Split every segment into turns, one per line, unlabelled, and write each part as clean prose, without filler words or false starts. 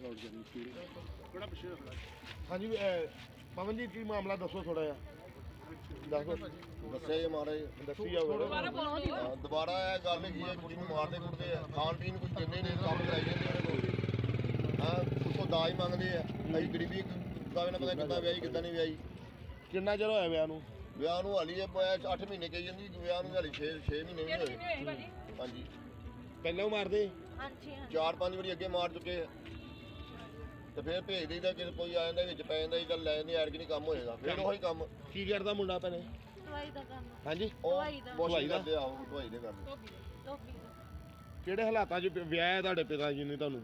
ਹਾਂਜੀ ਪਵਨ ਜੀ ਕੀ ਮਾਮਲਾ ਦੱਸੋ ਥੋੜਾ ਜਿਹਾ ਦੱਸੋ।
ਦੱਸਿਆ ਜੀ ਮਹਾਰਾਜ
ਦੱਸੀ ਜਾਓ
ਦੁਬਾਰਾ ਇਹ ਗੱਲ ਹੈਗੀ ਹੈ ਕੁੜੀ ਨੂੰ ਮਾਰਦੇ ਕੁੱਟਦੇ ਆ ਖਾਣ ਪੀਣ ਕੁਝ ਦਿੰਦੇ ਨਹੀਂ ਕੰਮ ਕਰਾਈ ਜਾਂਦੇ ਉਹਦੇ ਕੋਲ ਹਾਂ ਉਸੋਂ ਦਾਜ ਮੰਗਦੇ ਆ ਅਸੀਂ ਗਰੀਬੀ ਕਾਵੇ ਨਾ ਪਤਾ ਕਿੱਦਾਂ ਵਿਆਹੀ ਕਿੱਦਾਂ ਨਹੀਂ ਵਿਆਹੀ।
ਕਿੰਨਾ ਚਿਰ ਹੋਇਆ ਵਿਆਹ ਨੂੰ?
ਵਿਆਹ ਨੂੰ ਹਾਲੀ 8 ਮਹੀਨੇ ਕਹੀ ਜਾਂਦੀ ਵਿਆਹ ਨੂੰ ਹਾਲੀ 6 ਮਹੀਨੇ ਵੀ ਹੋਏ। ਹਾਂਜੀ
ਪਹਿਲਾਂ ਮਾਰਦੇ?
ਹਾਂਜੀ
4-5 ਵਾਰੀ ਅੱਗੇ ਮਾਰ ਚੁੱਕੇ ਆ ਤੇ ਫਿਰ ਭੇਜ ਦਈਦਾ ਕਿ ਕੋਈ ਆ ਜਾਂਦਾ ਵਿੱਚ ਪੈ ਜਾਂਦਾ ਚੱਲ ਲੈ ਜਾਂਦੇ ਐਰਗ ਨਹੀਂ ਕੰਮ ਹੋਏਗਾ ਫਿਰ ਉਹੀ ਕੰਮ।
ਕੀ ਕਰਦਾ ਮੁੰਡਾ ਭੈਣੇ?
ਦਵਾਈ ਦਾ ਕੰਮ।
ਹਾਂਜੀ
ਦਵਾਈ ਕਰਦੇ ਆਹੋ ਦਵਾਈ ਦੇ ਕਰਦੇ।
ਧੋਬੀ ਦਾ।
ਕਿਹੜੇ ਹਾਲਾਤਾਂ 'ਚ ਵਿਆਹ ਹੈ ਤੁਹਾਡੇ ਪਿਤਾ ਜੀ ਨੇ ਤੁਹਾਨੂੰ?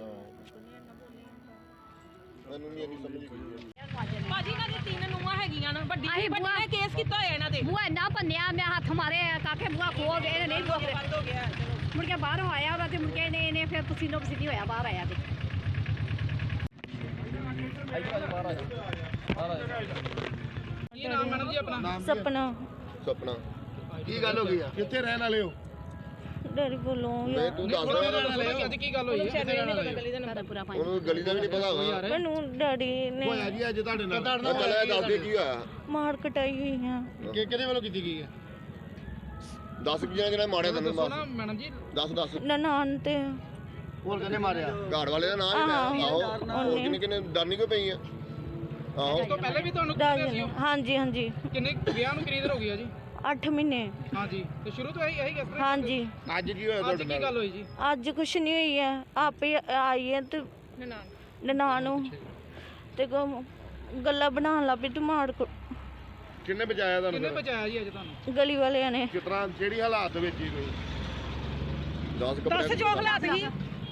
ਮੈਨੂੰ ਨਹੀਂ ਇੰਨੀ ਸਮਝ ਆਈ।
ਭਾਜੀ ਇਹਨਾਂ ਦੀਆਂ 3 ਨੂੰਹਾਂ ਹੈਗੀਆਂ ਨਾ ਵੱਡੀ ਨੇ ਕੇਸ ਕੀਤਾ ਹੋਇਆ ਇਹਨਾਂ ਤੇ।
ਬੂਆ ਇੰਨਾ ਭੰਨਿਆ ਮੈਂ ਹੱਥ ਮਾਰੇ ਕਾਕੇ ਬੂਆ ਖੋਲ ਦੇ ਨਹੀਂ ਖੋਲ
ਬੰਦ ਹੋ ਗਿਆ
ਮੁੜ ਕੇ ਬਾਹਰੋਂ ਆਇਆ ਵਾ ਤੇ ਮੁੜ ਕੇ ਇਹਨੇ ਫਿਰ ਪਸੀਨੋ ਪਸੀਨੀ ਹੋਇਆ ਬਾਹਰ ਆਇਆ ਤੇ
ਕੀ ਨਾਮ ਮੈਡਮ ਜੀ ਆਪਣਾ?
ਸਪਨਾ।
ਸੁਪਨਾ ਕੀ ਗੱਲ ਹੋ ਗਈ ਆ?
ਕਿੱਥੇ ਰਹਿਣ ਵਾਲੇ ਹੋ?
ਡੈਡੀ ਬੋਲੋ
ਨਹੀਂ ਤੂੰ ਦੱਸ ਦੇ
ਅੱਜ ਕੀ ਗੱਲ ਹੋਈ ਹੈ?
ਸਾਡਾ ਪੂਰਾ ਪਾਣੀ
ਉਹਨੂੰ ਗਲੀ ਦਾ ਵੀ ਨਹੀਂ ਪਤਾ ਹੋਗਾ।
ਮੈਨੂੰ ਡੈਡੀ ਨੇ
ਹੋਇਆ ਜੀ ਅੱਜ ਤੁਹਾਡੇ ਨਾਲ?
ਚੱਲ ਇਹ ਦੱਸ ਦੇ ਕੀ ਹੋਇਆ।
ਮਾਰ ਕਟਾਈ ਹੋਈ ਆ।
ਕਿਹਦੇ ਵੱਲੋਂ ਕੀਤੀ ਗਈ ਹੈ?
10 ਜਿਹੜਾ ਮਾਰਿਆ ਤੈਨੂੰ
ਦੱਸੋ ਨਾ ਮੈਡਮ ਜੀ।
ਦੱਸ
ਨਨਾਣ ਤੇ
ਹੋਰ ਕਿਹਨੇ ਮਾਰਿਆ?
ਘਾੜ ਵਾਲੇ ਦਾ ਨਾਮ ਹੀ ਆਹੋ ਹੋਰ ਕਿੰਨੇ ਡਰਨੀ ਕਿਉਂ ਪਈ ਆ? ਆਹੋ
ਉਸ ਤੋਂ ਪਹਿਲੇ ਵੀ ਤੁਹਾਨੂੰ
ਹਾਂਜੀ ਹਾਂਜੀ
ਕਿੰਨੇ ਵਿਆਹ ਨੂੰ ਕਿੰਨੀ ਦੇਰ ਹੋ ਗਈ ਆ ਜੀ?
8 ਮਹੀਨੇ।
ਹਾਂਜੀ ਤੇ ਸ਼ੁਰੂ ਤੋਂ ਇਹੀ ਕਿਸ ਤਰ੍ਹਾਂ?
ਹਾਂਜੀ
ਅੱਜ ਕੀ ਹੋਇਆ
ਅੱਜ
ਤੁਹਾਡੇ
ਕੀ
ਨਾਲ?
ਗੱਲ ਹੋਈ ਜੀ?
ਅੱਜ ਕੁਛ ਨਹੀਂ ਹੋਈ ਹੈ ਆਪੇ ਆਈ ਹੈ ਤੇ ਨਨਾਣ ਨੂੰ ਤੇ ਗੱਲਾਂ ਬਣਾਉਣ ਲੱਗ ਪਈ ਤੇ ਮਾਰ
ਕਿੰਨੇ ਬਚਾਇਆ
ਕਿੰਨੇ
ਤੁਹਾਨੂੰ?
ਬਚਾਇਆ ਜੀ ਅੱਜ ਤੁਹਾਨੂੰ?
ਗਲੀ ਵਾਲਿਆਂ ਨੇ।
ਕਿਸ ਤਰ੍ਹਾਂ ਜਿਹੜੀ ਹਾਲਾਤ ਵਿੱਚ ਹੀ ਕੋਈ
10 ਕੱਪੜੇ
ਜੋ ਹਾਲਾਤ ਸੀ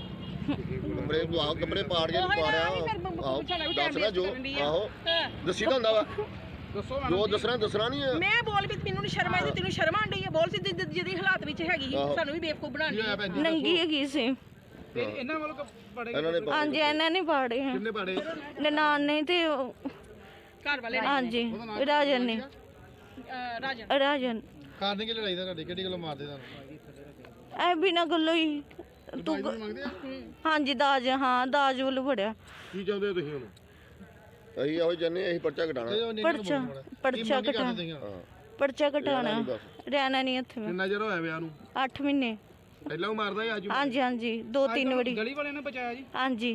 ਕੱਪੜੇ ਪਾੜ ਕੇ ਮਾਰਿਆ ਆਹੋ ਦੱਸਣਾ ਜੋ ਆਹੋ ਦੱਸੀ ਤਾਂ ਹੁੰਦਾ ਵਾ
ਦੱਸੋ
ਜੋ ਦੱਸਣਾ ਨਹੀਂ ਹੈ।
ਮੈਂ ਬੋਲ ਵੀ ਮੈਨੂੰ ਨੀ ਸ਼ਰਮ ਆਈ ਤੈਨੂੰ ਸ਼ਰਮ ਆਂਦੀ ਹੈ ਬੋਲ ਸੀ ਜਿਹਦੀ ਹਾਲਾਤ ਵਿੱਚ ਹੈਗੀ ਸਾਨੂੰ ਵੀ ਬੇਵਕੂਫ ਬਣਾਉਣੀ।
ਨੰਗੀ ਹੈਗੀ ਸੀ
ਤੇ ਇਹਨਾਂ ਵੱਲੋਂ ਪੜੇ
ਇਹਨਾਂ ਨੇ
ਹਾਂਜੀ ਇਹਨਾਂ ਨੇ ਪਾੜੇ ਹੈ
ਕਿੰਨੇ ਪਾੜੇ?
ਨਨਾਣ ਨੇ ਤੇ
ਘਰ ਵਾਲੇ
ਹਾਂਜੀ ਰਾਜਨ ਨੇ। ਰਾਜਨ
ਕਾਰਨ ਕੀ ਲੜਾਈ ਦਾ ਤੁਹਾਡੇ ਕਿਹੜੀ ਗੱਲੋਂ ਮਾਰਦੇ ਤੁਹਾਨੂੰ?
ਐ ਬਿਨਾਂ ਗੱਲੋਂ ਹੀ ਤੂੰ ਹਾਂਜੀ ਦਾਜ ਹਾਂ ਦਾਜ ਵੱਲੋਂ ਫੜਿਆ।
ਕੀ ਚਾਹੁੰਦੇ ਹੋ ਤੁਸੀਂ ਹੁਣ?
ਅਸੀਂ ਇਹੋ ਜੰਨੇ ਅਸੀਂ ਪਰਚਾ ਘਟਾਣਾ
ਪਰਚਾ ਘਟਾਣਾ ਪਰਚਾ ਘਟਾਣਾ ਰਹਿਣਾ ਨਹੀਂ ਇੱਥੇ ਮੈਂ।
ਕਿੰਨਾ ਚਿਰ ਹੋਇਆ ਵਿਆਹ ਨੂੰ?
8 ਮਹੀਨੇ।
ਪਹਿਲਾਂ ਉਹ ਮਾਰਦਾ ਸੀ ਅੱਜ?
ਹਾਂਜੀ ਹਾਂਜੀ 2-3 ਵਾਰੀ।
ਗਲੀ ਵਾਲਿਆਂ ਨੇ ਬਚਾਇਆ ਜੀ?
ਹਾਂਜੀ।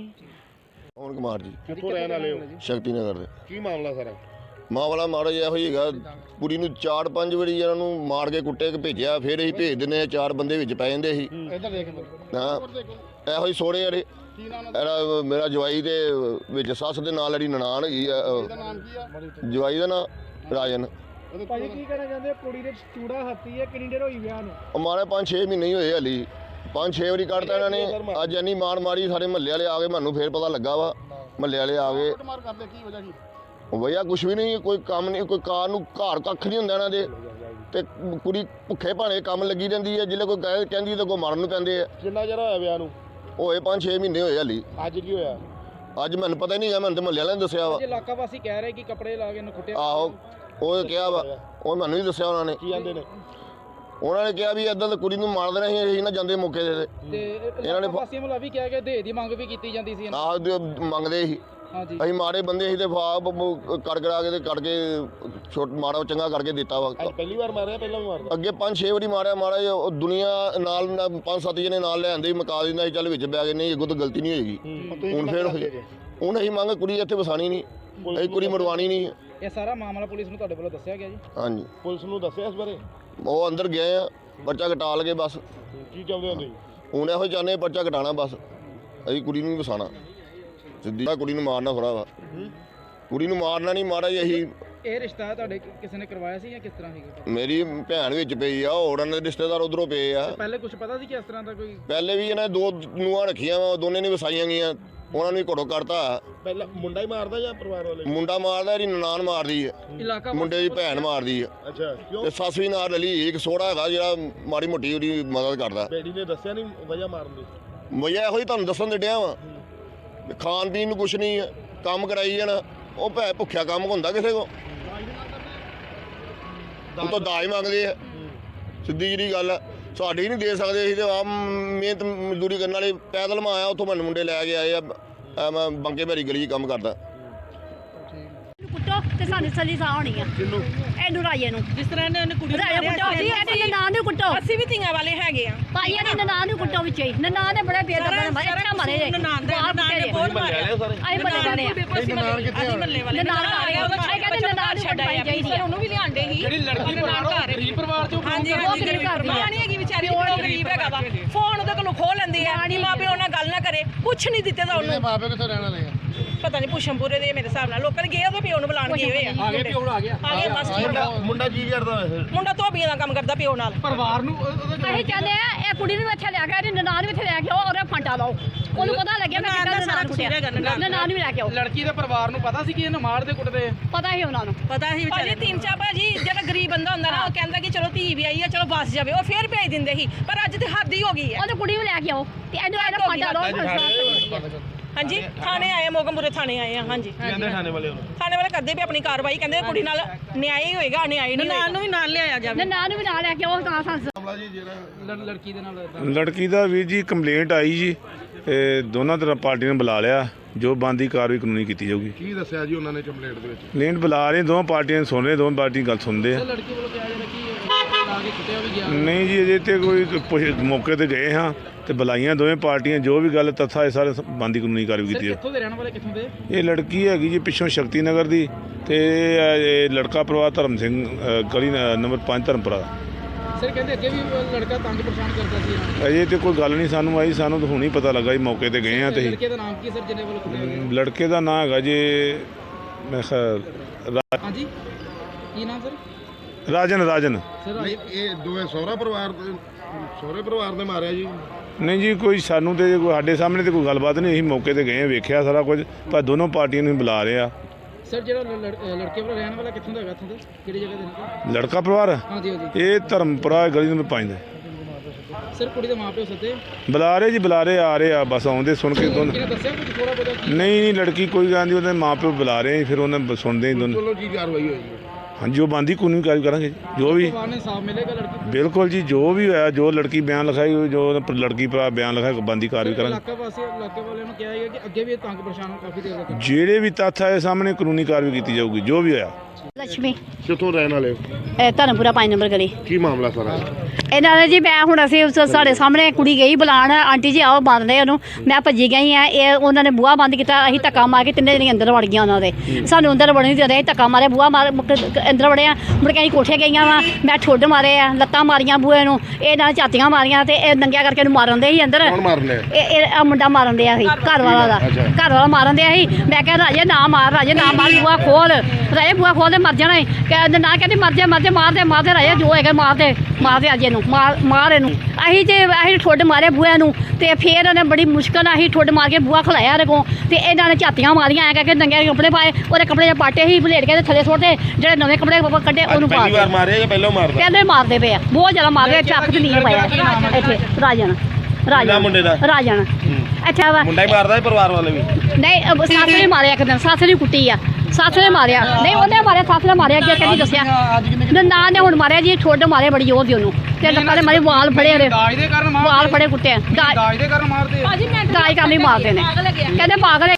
ਕੌਣ ਕੁਮਾਰ ਜੀ
ਕਿੱਥੋਂ ਰਹਿਣ ਵਾਲੇ ਹੋ?
ਸ਼ਕਤੀ ਨਗਰ ਦੇ।
ਕੀ ਮਾਮਲਾ ਸਾਰਾ?
ਮਾਮਲਾ ਮਾੜਾ ਜਿਹਾ ਇਹੋ ਹੀ ਹੈਗਾ ਕੁੜੀ ਨੂੰ 4-5 ਵਾਰੀ ਇਹਨਾਂ ਨੂੰ ਮਾਰ ਕੇ ਕੁੱਟੇ ਕੇ ਭੇਜਿਆ ਫਿਰ ਅਸੀਂ ਭੇਜ ਦਿੰਦੇ ਆ 4 ਬੰਦੇ ਵਿੱਚ ਪੈ ਜਾਂਦੇ ਸੀ
ਇੱਧਰ ਦੇਖ
ਹਾਂ ਇਹੋ ਹੀ ਸੋਹਣੇ ਜਿਹੜੇ ਇਹਦਾ ਮੇਰਾ ਜਵਾਈ ਦੇ ਵਿੱਚ ਸੱਸ ਦੇ ਨਾਲ ਜਿਹੜੀ ਨਨਾਣ ਹੈਗੀ ਆ
ਨਾਮ ਕੀ ਆ?
ਜਵਾਈ ਦਾ ਨਾਂ ਰਾਜਨ।
ਭਾਜੀ ਕੀ ਕਹਿਣਾ ਚਾਹੁੰਦੇ ਕੁੜੀ ਦੇ ਚੂੜਾ ਹੱਤੀ ਹੈ ਕਿੰਨੀ ਦੇਰ ਹੋਈ ਵਿਆਹ ਨੂੰ?
ਉਹ ਮਾਰੇ 5-6 ਮਹੀਨੇ ਹੀ ਹੋਏ ਹਲੀ 5-6 ਵਾਰੀ ਕੱਢਤਾ ਇਹਨਾਂ ਨੇ ਅੱਜ ਇੰਨੀ ਮਾਰ ਮਾਰੀ ਸਾਰੇ ਮਹੱਲੇ ਵਾਲੇ ਆ ਗਏ ਮੈਨੂੰ ਫਿਰ ਪਤਾ ਲੱਗਾ ਵਾ ਮਹੱਲੇ ਵਾਲੇ ਆ ਗਏ।
ਮਾਰ ਕਰਦੇ ਕੀ ਵਜ੍ਹਾ ਸੀ?
ਵਜ੍ਹਾ ਕੁਛ ਵੀ ਨਹੀਂ ਕੋਈ ਕੰਮ ਨਹੀਂ ਕੋਈ ਕਾਰ ਨੂੰ ਘਰ ਕੱਖ ਨਹੀਂ ਹੁੰਦਾ ਇਹਨਾਂ ਦੇ ਤੇ ਕੁੜੀ ਭੁੱਖੇ ਭਾਣੇ ਕੰਮ ਲੱਗੀ ਰਹਿੰਦੀ ਹੈ ਜਿੱਲੇ ਕੋਈ ਕਹਿੰਦੀ ਤਾਂ ਕੋਈ ਮਾਰਨ ਨੂੰ ਪੈਂਦੇ ਆ।
ਕਿੰਨਾ ਚਿਰ ਹੋਇਆ ਵਿਆਹ ਨੂੰ?
ਹੋਏ 5-6 ਮਹੀਨੇ ਹੋਏ ਹਲੀ।
ਅੱਜ ਕੀ ਹੋਇਆ?
ਅੱਜ ਮੈਨੂੰ ਪਤਾ ਹੀ ਨਹੀਂ ਹੈ ਮੈਨੂੰ ਤਾਂ ਮਹੱਲੇ ਵਾਲਿਆਂ ਨੇ ਦੱਸਿਆ ਵਾ।
ਇਲਾਕਾ ਵਾਸੀ ਕਹਿ ਰਹੇ ਕਿ ਕੱਪੜੇ ਲਾ ਕੇ ਇਹਨੂੰ ਕੁੱਟਿਆ।
ਆਹੋ ਉਹ ਕਿਹਾ ਵਾ ਉਹ ਮੈਨੂੰ ਨਹੀਂ ਦੱਸਿਆ ਉਹਨਾਂ ਨੇ।
ਕੀ ਆਂਦੇ ਨੇ?
ਉਹਨਾਂ ਨੇ ਕਿਹਾ ਵੀ ਇਦਾਂ ਤਾਂ ਕੁੜੀ ਨੂੰ ਮਾਰ ਦੇਣਾ ਸੀ ਅਸੀਂ ਨਾ ਜਾਂਦੇ ਮੌਕੇ ਦੇ
ਤੇ ਇਹਨਾਂ ਨੇ ਵਾਸੀਆਂ ਵੱਲੋਂ ਵੀ ਕਿਹਾ ਕਿ ਦੇ ਦੀ ਮੰਗ ਵੀ ਕੀਤੀ ਜਾਂਦੀ ਸੀ।
ਆਹ ਮੰਗਦੇ ਸੀ
ਹਾਂਜੀ
ਅਸੀਂ ਮਾੜੇ ਬੰਦੇ ਸੀ ਤੇ ਫਾਪ ਕਰ ਕਰਾ ਕੇ ਤੇ ਕਰਕੇ ਛੋਟ ਮਾੜਾ ਚੰਗਾ ਕਰਕੇ ਦਿੱਤਾ ਵਾ।
ਅੱਜ ਪਹਿਲੀ ਵਾਰ ਮਾਰਿਆ ਪਹਿਲਾਂ ਵੀ ਮਾਰਦਾ?
ਅੱਗੇ 5-6 ਵਾਰੀ ਮਾਰਿਆ ਮਾੜਾ ਜਿਹਾ ਉਹ ਦੁਨੀਆ ਨਾਲ 5-7 ਜਣੇ ਨਾਲ ਲੈ ਆਂਦੇ ਮਕਾ ਦਿੰਦਾ ਸੀ ਚੱਲ ਵਿੱਚ ਬੈ ਗਏ ਨਹੀਂ ਅੱਗੋਂ ਤਾਂ ਗਲਤੀ ਨਹੀਂ ਹੋਏਗੀ। ਹੁਣ ਫਿਰ ਹੁਣ ਅਸੀਂ ਮੰਗ ਕੁੜੀ ਇੱਥੇ ਵਸਾਣੀ ਨਹੀਂ ਅਸੀਂ ਕੁੜੀ ਮਰਵਾਣੀ ਨਹੀਂ।
ਇਹ ਸਾਰਾ ਮਾਮਲਾ ਪੁਲਿਸ ਨੂੰ ਤੁਹਾਡੇ ਵੱਲੋਂ ਦੱਸਿਆ ਗਿਆ ਜੀ?
ਹਾਂਜੀ
ਪੁਲਿਸ ਨੂੰ ਦੱਸਿਆ ਇਸ ਬਾਰੇ?
ਉਹ ਅੰਦਰ ਗਏ ਆ ਪਰਚਾ ਘਟਾ ਲਗੇ ਬਸ।
ਕੀ ਚਾਹੁੰਦੇ ਹੋ ਤੁਸੀਂ?
ਹੁਣ ਇਹੋ ਚਾਹੁੰਦੇ ਪਰਚਾ ਘਟਾਣਾ ਬਸ ਅਸੀਂ ਕੁੜੀ ਨੂੰ ਵਸਾਣਾ ਸਿੱਧੀ ਕੁੜੀ ਨੂੰ ਮਾਰਨਾ ਥੋੜਾ ਵਾ ਕੁੜੀ ਨੂੰ ਮਾਰਨਾ ਨਹੀਂ ਮਾਰਾ ਜੀ ਅਸੀਂ।
ਇਹ ਰਿਸ਼ਤਾ ਤੁਹਾਡੇ ਕਿਸੇ ਨੇ ਕਰਵਾਇਆ ਸੀ ਜਾਂ ਕਿਸ ਤਰ੍ਹਾਂ ਸੀਗਾ?
ਮੇਰੀ ਭੈਣ ਵਿੱਚ ਪਈ ਆ ਹੋਰ ਇਹਨਾਂ ਦੇ ਰਿਸ਼ਤੇਦਾਰ ਉਧਰੋਂ ਪਏ ਆ।
ਪਹਿਲੇ ਕੁਝ ਪਤਾ ਸੀ ਕਿ ਇਸ ਤਰ੍ਹਾਂ ਦਾ ਕੋਈ?
ਪਹਿਲੇ ਵੀ ਇਹਨਾਂ 2 ਨੂੰਹਾਂ ਰੱਖੀਆਂ ਵਾ ਦੋਨੇ ਨੇ ਵਸਾਈਆਂ ਗਈਆਂ ਉਹਨਾਂ ਨੂੰ ਘੜੋ ਕਰਤਾ।
ਪਹਿਲਾਂ ਮੁੰਡਾ ਹੀ ਮਾਰਦਾ ਜਾਂ ਪਰਿਵਾਰ ਵਾਲੇ?
ਮੁੰਡਾ ਮਾਰਦਾ ਇਹਦੀ ਨਨਾਣ ਮਾਰਦੀ ਹੈ
ਇਲਾਕਾ
ਮੁੰਡੇ ਦੀ ਭੈਣ ਮਾਰਦੀ ਹੈ
ਅੱਛਾ ਕਿਉਂ?
ਤੇ ਸੱਸ ਵੀ ਨਾਲ ਰਲੀ ਇੱਕ ਸੋੜਾ ਹੈਗਾ ਜਿਹੜਾ ਮਾੜੀ ਮੋਟੀ ਉਹਦੀ ਮਦਦ ਕਰਦਾ।
ਬੇੜੀ ਨੇ ਦੱਸਿਆ ਨਹੀਂ ਵਜ੍ਹਾ ਮਾਰਨ ਦੀ?
ਵਜ੍ਹਾ ਇਹੋ ਹੀ ਤੁਹਾਨੂੰ ਦੱਸਣ ਦੇ ਡਿਆ ਵਾ ਖਾਣ ਪੀਣ ਨੂੰ ਕੁਛ ਨਹੀਂ ਹੈ ਕੰਮ ਕਰਾਈ ਜਾਣਾ ਉਹ ਭੈ ਭੁੱਖਿਆ ਕੰਮ ਹੁੰਦਾ ਕਿਸੇ ਕੋ ਉਹ ਤਾਂ ਦਾਜ ਮੰਗਦੇ ਆ ਸਿੱਧੀ ਜਿਹੜੀ ਗੱਲ ਆ ਸਾਡੀ ਨਹੀਂ ਦੇ ਸਕਦੇ ਅਸੀਂ ਤੇ ਆਪ ਮਿਹਨਤ ਮਜ਼ਦੂਰੀ ਕਰਨ ਵਾਲੇ ਪੈਦਲ ਮੈਂ ਆਇਆ ਉੱਥੋਂ ਮੈਨੂੰ ਮੁੰਡੇ ਲੈ ਕੇ ਆਏ ਆ ਮੈਂ ਬੰਕੇ ਭੈਰੀ ਗਲੀ 'ਚ ਕੰਮ ਕਰਦਾ।
ਕੁੱਟੋ ਤੇ ਸਾਨੂੰ ਸਲੀ ਸਾਹ ਹੋਣੀ ਆ
ਕਿੰਨੂੰ
ਇਹਨੂੰ ਰਾਜੇ ਨੂੰ
ਜਿਸ ਤਰ੍ਹਾਂ ਨੇ ਉਹਨੇ ਕੁੜੀ ਨੂੰ
ਰਾਜੇ ਕੁੱਟੋ ਜੀ ਇਹਦੇ ਨਾਂ ਨੂੰ ਕੁੱਟੋ
ਅਸੀਂ ਵੀ ਧੀਆਂ ਵਾਲੇ ਹੈਗੇ ਆ
ਭਾਈਆਂ ਨੇ ਨਾਂ ਨੂੰ ਕੁੱਟੋ ਵਿੱਚ ਹੀ ਨਾਂ ਨੇ ਬੜੇ ਬੇਦਰਦ ਮਾਰੇ ਅੱਛਾ ਮਾਰੇ ਜੇ
ਨਨਾਣ ਦਾ ਨਨਾਣ ਨੇ ਬਹੁਤ ਮਾਰਿਆ
ਅਸੀਂ ਬੜੇ ਜਾਣੇ ਆ
ਅਸੀਂ ਮੱਲੇ ਵਾਲੇ
ਨਨਾਣ ਆ ਗਿਆ ਉਹਦਾ ਛੇ ਕਹਿੰਦੇ ਨਨਾਣ ਨੂੰ ਛੱਡਾਈ ਚਾਹੀਦੀ ਆ
ਉਹਨੂੰ ਵੀ ਲਿਆਂਦੇ ਸੀ
ਜਿਹੜੀ ਲੜਕੀ ਗਰੀਬ ਪਰਿਵਾਰ ਚੋਂ
ਹਾਂਜੀ
ਉਹ ਗਰੀਬ ਘਰ ਦੀ ਆ।
ਮਾਂ ਨਹੀਂ ਹੈਗੀ ਵਿਚਾਰੀ ਉਹ ਗਰੀਬ ਹੈਗਾ ਵਾ ਫੋਨ ਉਹਦੇ ਕੋਲੋਂ ਖੋਹ ਲੈਂਦੇ ਆ ਕਿ ਮਾਂ ਪਿਓ ਨਾਲ ਗੱਲ ਨਾ ਕਰੇ ਕੁਛ ਨਹੀਂ ਦਿੱਤੇ ਤਾਂ ਉਹਨੂੰ
ਮਾਪੇ ਕਿੱਥੋਂ ਰਹਿਣ ਵਾਲੇ ਆ?
ਪਤਾ ਨਹੀਂ ਪੁਸ਼ਮਪੁਰੇ ਦੇ ਮੇਰੇ ਹਿਸਾਬ ਨਾਲ ਲੋਕਾਂ ਨੇ ਗਏ ਉਹਦੇ ਪਿਓ ਨੂੰ ਬੁਲਾਣ ਗਏ ਹੋਏ ਆ
ਆ ਗਏ ਪਿਓ ਆ ਗਿਆ
ਆ ਗਏ ਬਸ ਠੀਕ ਆ।
ਮੁੰਡਾ ਕੀ ਕਰਦਾ ਵੈਸੇ?
ਮੁੰਡਾ ਧੋਬੀਆਂ ਦਾ ਕੰਮ ਕਰਦਾ ਪਿਓ ਨਾਲ
ਪਰਿਵਾਰ ਨੂੰ
ਅਸੀਂ ਚਾਹੁੰਦੇ ਆ ਇਹ ਕੁੜੀ ਨੂੰ ਇੱਥੇ ਲੈ ਕੇ ਆਓ ਨਨਾਣ ਨੂੰ ਇੱਥੇ ਲੈ ਕੇ ਆਓ ਔਰ ਫਾਂਟਾ ਲਾਓ ਉਹਨੂੰ ਪਤਾ ਲੱਗਿਆ ਮੈਂ ਕਿੱਦਾਂ ਨਨਾਣ ਕੁੱਟਿਆ ਨਨਾਣ ਵੀ ਲੈ ਕੇ ਆਓ
ਲੜਕੀ ਦੇ ਪਰਿਵਾਰ ਨੂੰ ਪਤਾ ਸੀ ਕਿ ਇਹਨੂੰ ਮਾਰਦੇ ਕੁੱਟਦੇ
ਪਤਾ ਹੀ ਉਹਨਾਂ ਨੂੰ
ਪਤਾ ਹੀ ਵਿਚਾਰੇ ਤਿੰਨ ਚਾਰ ਭਾਜੀ ਜਿਹੜਾ ਗਰੀਬ ਬੰਦਾ ਹੁੰਦਾ ਨਾ ਉਹ ਕਹਿੰਦਾ ਕਿ ਚਲੋ ਧੀ ਵੀ ਆਈ ਆ ਚਲੋ ਬਸ ਜਾਵੇ ਉਹ ਫੇਰ ਭੇਜ ਦਿੰਦੇ ਸੀ ਪਰ ਅੱਜ ਤੇ ਹੱਦ ਹੀ ਹੋ ਗਈ ਹੈ
ਉਹਨੂੰ ਕੁੜੀ ਨੂੰ ਲੈ ਕੇ ਆਓ ਤੇ ਇਹਨੂੰ ਫਾਂਟਾ ਲਾਓ
ਹਾਂਜੀ ਥਾਣੇ ਆਏ ਮੋਗਮਪੁਰੇ ਥਾਣੇ ਆਏ ਆ ਹਾਂਜੀ ਥਾਣੇ ਵਾਲੇ ਕਰਦੇ ਵੀ ਆਪਣੀ ਕਾਰਵਾਈ ਕਹਿੰਦੇ ਕੁੜੀ ਨਾਲ ਨਿਆਂ ਹੀ ਹੋਏਗਾ ਨਿਆਂ ਨਹੀਂ ਹੋਏਗਾ ਨੂੰ ਵੀ ਨਾਲ ਲਿਆਇਆ ਜਾਵੇ
ਨਨਾਣ ਨੂੰ ਵੀ ਨਾਲ ਲੈ ਕੇ ਆਓ ਤਾਂ ਸੰਸ
ਲੜਕੀ ਦੇ ਨਾਲ
ਲੜਕੀ ਦਾ ਵੀਰ ਜੀ ਕੰਪਲੇਂਟ ਆਈ ਜੀ ਇਹ ਦੋਨਾਂ ਤਰ੍ਹਾਂ ਪਾਰਟੀ ਨੇ ਬੁਲਾ ਲਿਆ ਜੋ ਬਣਦੀ ਕਾਰਵਾਈ ਕਾਨੂੰਨੀ ਕੀਤੀ ਜਾਊਗੀ।
ਕੀ ਦੱਸਿਆ ਜੀ ਉਹਨਾਂ ਨੇ ਕੰਪਲੇਂਟ ਦੇ ਵਿੱਚ?
ਕੰਪਲੇਂਟ ਬੁਲਾ ਰਹੇ ਦੋਵਾਂ ਪਾਰਟੀਆਂ ਨੂੰ ਸੁਣ ਰਹੇ ਦੋਵਾਂ ਪਾਰਟੀ ਗੱਲ ਸੁਣਦੇ ਆ।
ਲੜਕੀ ਵੱਲੋਂ ਕਿਹਾ ਜਾ ਰਿਹਾ ਕਿ ਲਾ ਕੇ ਕੁੱਟਿਆ ਵੀ ਗਿਆ
ਨਹੀਂ ਜੀ ਅਜੇ ਤੇ ਕੋਈ ਮੌਕੇ ਤੇ ਗਏ ਹਾਂ ਤੇ ਬੁਲਾਈਆਂ ਦੋਵੇਂ ਪਾਰਟੀਆਂ ਜੋ ਵੀ ਗੱਲ ਤੱਥਾ ਇਹ ਸਾਰੇ ਬਣਦੀ ਕਾਨੂੰਨੀ ਕਾਰਵਾਈ ਕੀਤੀ
ਕਿੱਥੋਂ ਦੇ ਰਹਿਣ ਵਾਲੇ ਕਿੱਥੋਂ ਦੇ
ਇਹ ਲੜਕੀ ਹੈਗੀ ਜੀ ਪਿੱਛੋਂ ਸ਼ਕਤੀ ਨਗਰ ਦੀ ਤੇ ਇਹ ਲੜਕਾ ਪਰਿਵਾਰ ਧਰਮ ਸਿੰਘ ਗਲੀ ਨੰਬਰ 5 ਧਰਮਪੁਰਾ ਦਾ।
ਸਰ ਕਹਿੰਦੇ ਅੱਗੇ ਵੀ ਲੜਕਾ ਤੰਗ ਪਰੇਸ਼ਾਨ ਕਰਦਾ ਸੀ ਇਹਨਾਂ ਨੂੰ।
ਅਜੇ ਤੇ ਕੋਈ ਗੱਲ ਨਹੀਂ ਸਾਨੂੰ ਆਈ ਸਾਨੂੰ ਤਾਂ ਹੁਣ ਹੀ ਪਤਾ ਲੱਗਾ ਜੀ ਮੌਕੇ ਤੇ ਗਏ ਹਾਂ ਤੇ
ਲੜਕੇ ਦਾ ਨਾਮ ਕੀ ਸਰ ਜਿਹਨੇ ਵੱਲੋਂ ਕੁੱਟਿਆ ਗਿਆ?
ਲੜਕੇ ਦਾ ਨਾਂ ਹੈਗਾ ਜੀ ਮੈਂ ਖਿਆਲ
ਹਾਂਜੀ ਕੀ ਨਾਮ ਸਰ?
ਰਾਜਨ
ਸਰ
ਨਹੀਂ ਇਹ ਦੋਵੇਂ ਸਹੁਰੇ ਪਰਿਵਾਰ ਨੇ ਮਾਰਿਆ ਜੀ?
ਨਹੀਂ ਜੀ ਕੋਈ ਸਾਨੂੰ ਤੇ ਕੋਈ ਸਾਡੇ ਸਾਹਮਣੇ ਤੇ ਕੋਈ ਗੱਲਬਾਤ ਨਹੀਂ ਅਸੀਂ ਮੌਕੇ ਤੇ ਗਏ ਵੇਖਿਆ ਸਾਰਾ ਕੁਝ ਪਰ ਦੋਨੋਂ ਪਾਰਟੀਆਂ ਨੂੰ ਬੁਲਾ ਰਹੇ ਆ।
ਸਰ ਜਿਹੜਾ ਲੜਕੇ ਵੱਲੋਂ ਰਹਿਣ ਵਾਲਾ ਕਿੱਥੋਂ ਦਾ ਹੈਗਾ ਇੱਥੋਂ ਦਾ ਕਿਹੜੀ ਜਗ੍ਹਾ ਦੇ ਨਾਲ?
ਲੜਕਾ ਪਰਿਵਾਰ
ਹਾਂਜੀ ਹਾਂਜੀ
ਇਹ ਧਰਮਪੁਰਾ ਗਲੀ ਨੰਬਰ 5 ਦਾ
ਸਰ ਕੁੜੀ ਦੇ ਮਾਪਿਓ ਸੱਦੇ
ਬੁਲਾ ਰਹੇ ਜੀ ਬੁਲਾ ਰਹੇ ਆ ਰਹੇ ਆ ਬਸ ਆਉਂਦੇ ਸੁਣ ਕੇ ਦੋਨੋਂ
ਕਿਹਨੇ ਦੱਸਿਆ ਕੁਝ ਥੋੜਾ ਬਹੁਤਾ
ਨਹੀਂ ਲੜਕੀ ਕੋਈ ਗੱਲ ਨਹੀਂ ਉਹਦੇ ਮਾਪਿਓ ਬੁਲਾ ਰਹੇ ਆ, ਫਿਰ ਉਹਨਾਂ ਸੁਣਦੇ ਹੀ ਦੋਨੋਂ।
ਚਲੋ ਕੀ ਕਾਰਵਾਈ ਹੋਈ ਜੀ?
ਹਾਂਜੀ ਉਹ ਬੰਦੀ ਕਾਨੂੰਨੀ ਕਾਰਵਾਈ ਕਰਾਂਗੇ ਜੀ, ਜੋ ਵੀ
ਪਰਿਵਾਰ ਨੇ ਸਾਫ਼ ਮਿਲੇਗਾ ਲੜਕੀ
ਬਿਲਕੁਲ ਜੀ ਜੋ ਵੀ ਹੋਇਆ ਜੋ ਲੜਕੀ ਬਿਆਨ ਲਿਖਾਈ ਜੋ ਲੜਕੀ ਭਰਾ ਬਿਆਨ ਲਿਖਾਇਆ ਬੰਦੀ ਕਾਰਵਾਈ ਕਰਾਂਗੇ।
ਇਲਾਕੇ ਵਾਲਿਆਂ ਨੂੰ ਕਿਹਾ ਹੈ ਕਿ ਅੱਗੇ ਵੀ ਇਹ ਤੰਗ ਪਰੇਸ਼ਾਨ ਕਾਫੀ ਦੇਰ ਤੱਕ
ਜਿਹੜੇ ਵੀ ਤੱਥ ਆਏ ਸਾਹਮਣੇ ਕਾਨੂੰਨੀ ਕਾਰਵਾਈ ਕੀਤੀ ਜਾਊਗੀ ਜੋ ਵੀ ਹੋਇਆ।
ਲక్ష్ਮੀ
ਕਿੱਥੋਂ ਰਹਿਣ ਵਾਲੇ ਹੋ?
ਧਰਮਪੁਰਾ 5 ਨੰਬਰ ਗਲੀ
ਕੀ ਮਾਮਲਾ ਸਾਰਾ?
ਇਹਨਾਂ ਨੇ ਜੀ ਮੈਂ ਹੁਣ ਅਸੀਂ ਸਾਡੇ ਸਾਹਮਣੇ ਕੁੜੀ ਗਈ ਬੁਲਾਉਣ ਆਂਟੀ ਜੀ ਆਓ ਬੰਦ ਦੇ ਉਹਨੂੰ ਮੈਂ ਭੱਜੀ ਗਈ ਆ ਇਹ ਉਹਨਾਂ ਨੇ ਬੂਹਾ ਬੰਦ ਕੀਤਾ ਅਸੀਂ ਧੱਕਾ ਮਾਰ ਕੇ ਤਿੰਨੇ ਜਣੇ ਅੰਦਰ ਵੜ ਗਈਆਂ ਉਹਨਾਂ ਦੇ ਸਾਨੂੰ ਅੰਦਰ ਵੜਨ ਨਹੀਂ ਦੇ ਰਹੇ ਧੱਕਾ ਮਾਰੇ ਬੂਹਾ ਮਾਰ ਅੰਦਰ ਵੜਿਆ ਮੁੜ ਕੇ ਅਸੀਂ ਕੋਠੇ ਗਈਆਂ ਵਾ ਮੈਂ ਠੁੱਡ ਮਾਰੇ ਆ ਲੱਤਾਂ ਮਾਰੀਆਂ ਬੂਹੇ ਨੂੰ ਇਹ ਨਾਲ ਝਾਤੀਆਂ ਮਾਰੀਆਂ ਤੇ ਇਹ ਨੰਗਿਆ ਕਰਕੇ ਇਹਨੂੰ ਮਾਰਨ ਦੇ ਸੀ ਅੰਦਰ
ਕੌਣ ਮਾਰਨੇ?
ਇਹ ਆ ਮੁੰਡਾ ਮਾਰਨ ਦਿਆ ਸੀ ਘਰ ਵਾਲਾ ਦਾ ਘਰ ਵਾਲਾ ਮਾਰਨ ਦਿਆ ਸੀ ਮੈਂ ਕਿਹਾ ਰਾਜੇ ਨਾ ਮਾਰ ਬੂਹਾ ਖੋਲ ਰਾਜੇ ਬੂਹਾ ਖੋਲ ਦੇ ਮਰ ਜਾਣਾ ਕਹਿੰਦੇ ਨਾ ਕਹਿੰਦੀ ਮਰ ਜਾ ਮਾਰਦੇ ਰਾਜੇ ਜੋ ਹੈਗਾ ਮਾਰਦੇ ਅੱਜ ਇਹਨੂੰ ਮਾਰ ਇਹਨੂੰ ਅਸੀਂ ਠੁੱਡ ਮਾਰੇ ਬੂਹੇ ਨੂੰ ਤੇ ਫਿਰ ਉਹਨੇ ਬੜੀ ਮੁਸ਼ਕਲ ਨਾਲ ਅਸੀਂ ਠੁੱਡ ਮਾਰ ਕੇ ਬੂਹਾ ਖਲਾਇਆ ਇਹਦੇ ਕੋਲ ਤੇ ਇਹਨਾਂ ਨੇ ਝਾਤੀਆਂ ਮਾਰੀਆਂ ਐ ਕਰਕੇ ਨੰਗੇ ਕੱਪੜੇ ਪਾਏ ਉਹਦੇ ਕੱਪੜੇ ਜੇ ਪਾਟੇ ਸੀ ਭਲੇਟ ਕੇ ਥੱਲੇ ਸੁੱਟਦੇ ਜਿਹੜੇ ਨਵੇਂ ਕੱਪੜੇ ਕੱਢੇ ਉਹਨੂੰ ਪਾ
ਪਹਿਲੀ ਵਾਰ ਮਾਰਿਆ ਜਾਂ ਪਹਿਲਾਂ ਮਾਰਦਾ?
ਕਹਿੰਦੇ ਮਾਰਦੇ ਪਏ ਆ ਬਹੁਤ ਜ਼ਿਆਦਾ ਮਾਰਦੇ ਆ ਚੱਕ ਤੇ ਨਹੀਂ ਪਾਇਆ ਇੱਥੇ ਰਾਜਨ
ਮੁੰਡੇ ਦਾ?
ਰਾਜਨ ਅੱਛਾ ਵਾ
ਮੁੰਡਾ ਹੀ ਮਾਰਦਾ ਪਰਿਵਾਰ ਵਾਲੇ ਵੀ?
ਨਹੀਂ ਸੱਸ ਨੇ ਮਾਰਿਆ ਇੱਕ ਦਿਨ ਸੱਸ ਨੇ ਕੁੱਟੀ ਆ ਸੱਸ ਨੇ ਮਾਰਿਆ ਨਹੀਂ ਉਹਨੇ ਮਾਰਿਆ ਸੱਸ ਨੇ ਮਾਰਿਆ ਅੱਗੇ ਕਹਿੰਦੀ ਦੱਸਿਆ ਨਾ ਨੇ ਹੁਣ ਮਾਰਿਆ ਜੀ ਠੁੱਡ ਮਾਰੇ ਬੜੀ ਜ਼ੋਰ ਦੀ ਉਹਨੂੰ ਤੇ ਲੱਕਾਂ ਦੇ ਮਾਰੇ ਵਾਲ ਫੜੇ ਉਹਦੇ
ਦਾਜ ਦੇ ਕਾਰਨ
ਵਾਲ ਫੜੇ ਕੁੱਟੇ
ਦਾਜ ਦੇ ਕਾਰਨ ਮਾਰਦੇ ਆ।
ਦਾਜ ਕਰਨ ਲਈ ਮਾਰਦੇ ਨੇ ਕਹਿੰਦੇ ਪਾਗਲ